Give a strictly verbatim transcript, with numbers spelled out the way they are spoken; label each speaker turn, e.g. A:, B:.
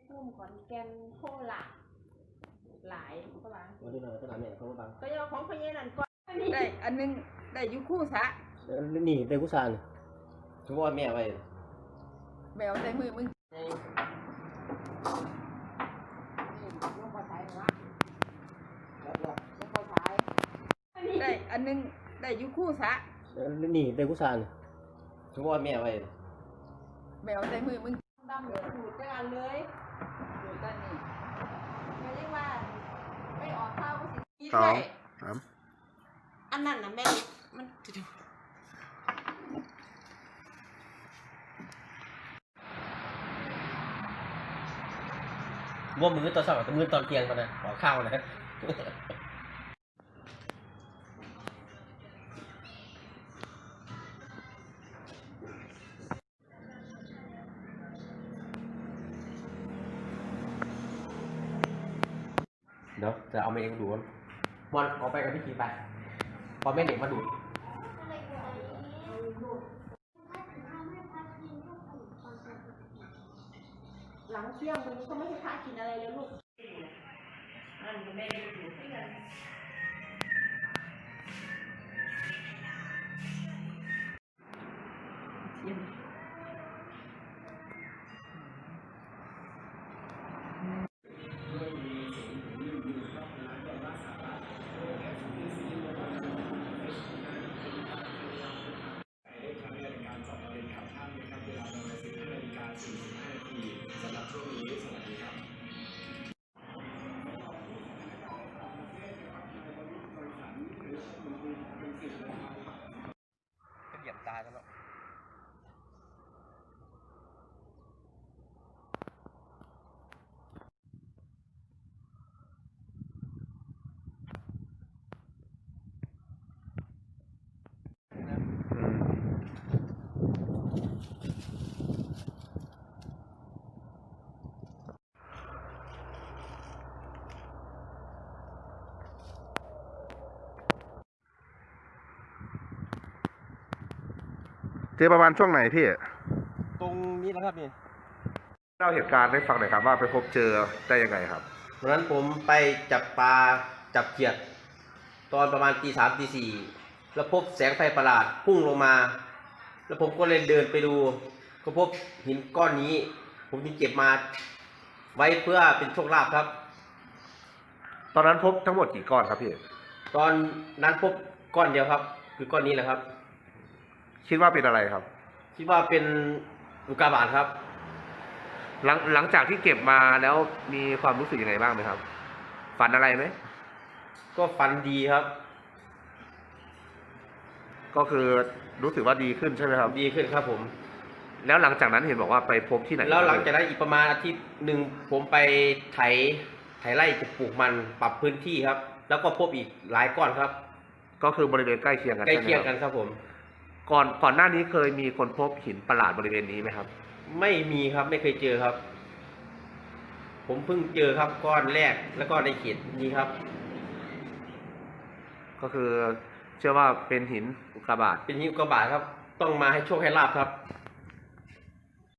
A: พุ่มขอนแก่นโคราชหลายก็บาง
B: วันที่เราตลาดเนี่ยเขาบาง
A: ก็ยังของพญานันก่อน
C: ได้อันนึงได้ยุคู่ซะ
B: นี่ได้กุศลทุกวันแม่ไป
C: แบวใส่มือมึงได้อันนึงได้ยุคู่ซะ
B: นี่ได้กุศลทุกวันแม่ไป
C: แบวใส่มือมึง
A: ดำเหลือดูดกันเลย
C: ดูด้านนี้
A: ไม่เรียกว่าไม่ออกข้าวก็สิ
C: สอง
A: สามอันนั้นนะแม่มัน
B: ว่ามือตอนสอบกับมือตอนเที่ยงกันนะขอข้าวนะเดี๋ยวจะเอามาเองดูมันออกไปกับพี่ทีไปพอแม่เด็กมาดู
A: หลังเที่ยงวันนี้ก็ไม่ให้พระกินอะไรเลยลูกอันนี้แม่ได้ดูให้กัน
B: เหยียบตาแล้ว
D: เจอประมาณช่วงไหนพี่
B: ตรงนี้นะครับนี่
D: เล่าเหตุการณ์ให้ฟังหน่อยครับว่าไปพบเจอได้ยังไงครับ
B: วันนั้นผมไปจับปลาจับเขียดตอนประมาณตีสามตีสี่แล้วพบแสงไฟประหลาดพุ่งลงมาแล้วผมก็เลยเดินไปดูก็พบหินก้อนนี้ผมจึงเก็บมาไว้เพื่อเป็นโชคลาภครับ
D: ตอนนั้นพบทั้งหมดกี่ก้อนครับพี่
B: ตอนนั้นพบก้อนเดียวครับคือก้อนนี้แหละครับ
D: คิดว่าเป็นอะไรครับ
B: คิดว่าเป็นอุกกาบาตครับ
D: หลังหลังจากที่เก็บมาแล้วมีความรู้สึกยังไงบ้างไหมครับฝันอะไรไหม
B: ก็ฝันดีครับ
D: ก็คือรู้สึกว่าดีขึ้นใช่ไหมครับ
B: ดีขึ้นครับผม
D: แล้วหลังจากนั้นเห็นบอกว่าไปพบที่ไหน
B: แล้วหลังจากนั้นอีกประมาณอาทิตย์หนึ่งผมไปไถไถไร่จะปลูกมันปรับพื้นที่ครับแล้วก็พบอีกหลายก้อนครับ
D: ก็คือบริเวณใกล้เคียงกัน
B: ใกล้เคียงกันครับผม
D: ก่อนก่อนหน้านี้เคยมีคนพบหินประหลาดบริเวณนี้ไหมครับ
B: ไม่มีครับไม่เคยเจอครับผมเพิ่งเจอครับก้อนแรกแล้วก็ในเขตนี้ครับ
D: ก็คือเชื่อว่าเป็นหินอุกกาบาต
B: เป็นหินอุกกาบาตครับต้องมาให้โชคให้ลาภครับ